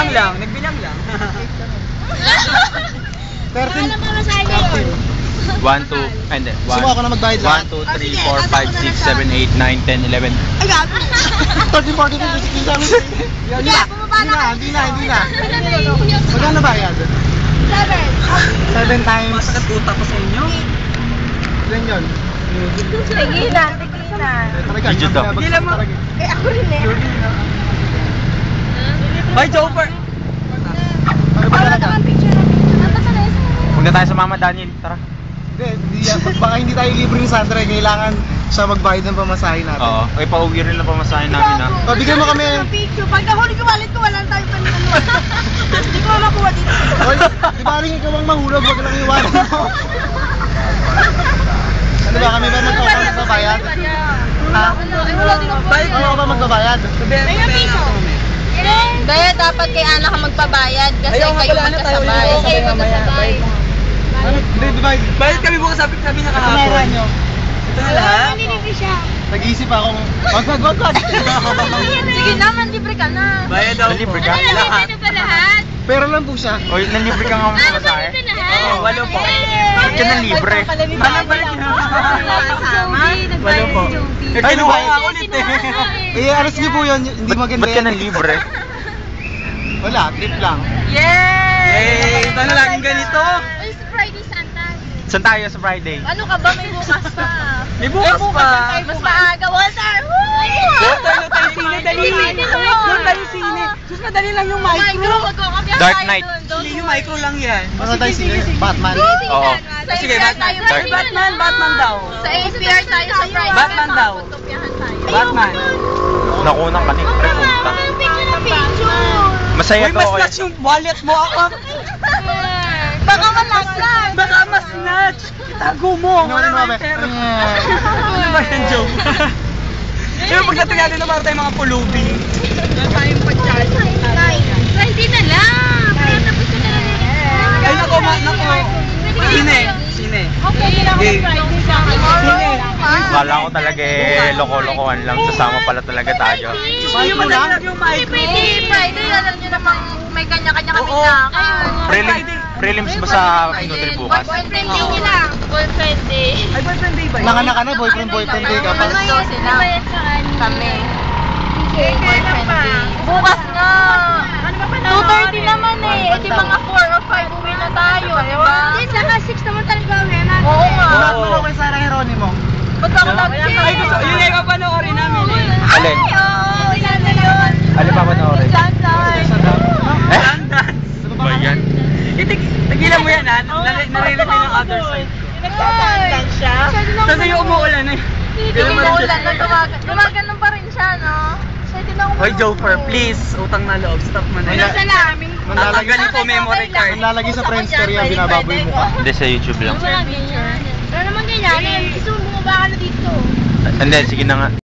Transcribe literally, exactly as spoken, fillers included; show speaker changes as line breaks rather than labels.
Nagbilang lang, nagbilang lang.
thirteen.
one, two, and then
Gusto mo ako na magbayad lahat?
one, two, three, four, five, six, seven, eight, nine, ten, eleven.
Ay, gabi! thirteen, fourteen, fifteen, sixteen, seventeen. Hindi na, hindi na, hindi na, hindi na. Magkano bayad?
Seven.
Seven times.
Masakit utak ko sa inyo.
Ilan yun?
Tigilan, tigilan.
Eh, talaga,
Video to.
hindi
Hindi mo.
talaga.
Eh, ako rin eh.
Hoy, Joper!
Ano ba talaga?
Punta tayo sa Mama Daniel, tara.
Hindi, hindi yan. Baka hindi tayo libre ni Sandra, eh. Kailangan siya magbayad ng pamasahe natin.
Oo. Ay, pauwi rin na pamasahin namin ha.
O, bigyan mo kami.
Picture. Pag nahuli ko wallet ko, wala na tayo pa ano. Hindi ko makuha dito.
Oy, di ba rin ikaw ang mahulog, wag lang iwanan mo. Ano ba, kami ba magkakaroon sa bayad? Ha?
Ay, wala din ako.
Ano ba magbabayad?
May piso.
Hindi, dapat kay Ana ka magpabayad kasi
Ayaw nga
kayo
pala, ano, tayo
magkasabay.
ulit.
Kayo
Mamaya,
magkasabay.
Ano? Hindi, di ba?
Bayad kami bukas, sabi, sabi niya
Ano
kahapon.
nyo?
Ito na lahat?
Nililibre siya.
Nag-iisip akong, wag, wag, wag, wag.
Sige naman, libre ka na.
Bayad daw po.
Libre ka?
Lahat.
ba lahat?
Pera lang po siya.
Oy, nanlibre ka nga mga pamasahe.
Oo, walo po.
Ba't ka nanlibre?
Ano ba yun? Walo po. Eh,
Ay,
kinuha
why?
nga ulit eh.
Eh, alas niyo po yun, hindi
Ba't,
maganda
ba't ka
yan.
nanlibre?
Wala, trip lang.
Eh, ito na laging ganito.
Ay, sa Friday, Santa.
Saan tayo sa Friday?
Ano ka ba? May bukas pa.
May bukas pa.
Mas maaga. Walter!
Walter, no tayo sine, dali. No tayo sine. Sus, madali lang yung micro.
Micro, magkakapiyan
Dark
tayo
Knight.
dun. Doon.
Hindi yung micro lang yan.
Ano tayo sila? Batman.
Oo.
Sa
Sige,
A P R
Batman.
tayo.
Dark.
Batman, Batman daw.
Sa A P R tayo sa Friday.
Batman daw.
Magkakapiyan tayo.
Batman.
Nakunang ka ni Pre, punta.
Picture na picture.
Masaya
Uy,
to.
mas
Oy.
snatch yung wallet mo ako.
Baka malaglag.
Baka mas snatch. Itago mo.
Ano,
Wala
ano,
kang
ano,
pera.
ano,
Ano ba yan, joke? Pero pagdating natin na para tayo mga pulubi. Wala tayong pag-charge.
Friday na lang. Pero tapos na lang.
Ay, nako, ma, nako. Sine, sine.
Okay, kailangan ko
Game.
Friday sa akin.
Sine.
Kala ko talaga eh, loko-lokohan lang. Sasama pala talaga tayo.
Yung madali lang yung micro.
Friday, Friday, alam nyo namang may kanya-kanya kami
Oo.
lakad.
Prelim, prelims ba sa Nutri bukas?
Boyfriend day nila. Boyfriend day.
Ay, boyfriend day ba yun?
Nanganak ka na, boyfriend, boyfriend day ka pa.
Gusto sila. Kami. Boyfriend day. Bukas nga. two thirty naman eh. Eh di mga four or five uwi na tayo, di ba? Hindi, saka six naman talaga uwi na. Oo nga.
Lahat mo daw kay Sarah Geronimo.
Ba't ako nag-check?
Ay, gusto, yun yung papanoorin namin eh.
Alin?
Ay, oo. Ilan na yun?
Alin pa panoorin?
Sunday.
Eh?
Dance.
Ano ba yan?
Itig, tigilan mo yan ha. Nare- Naririnig ng other side.
Nagsasandan siya?
Tapos yung umuulan eh.
Hindi umuulan na dumagan. Dumaganon pa rin siya, no? Pwede na ako
Hoy, Joker, please. Utang na loob. Stop mo na yan.
Sa namin.
Tatanggalin ko memory card.
Manlalagay sa Friendster yan, binababoy mo ka.
Hindi, sa YouTube lang.
Wala ganyan. Wala naman ganyan. Gusto mo bumaba ka na dito.
Hindi, sige na nga.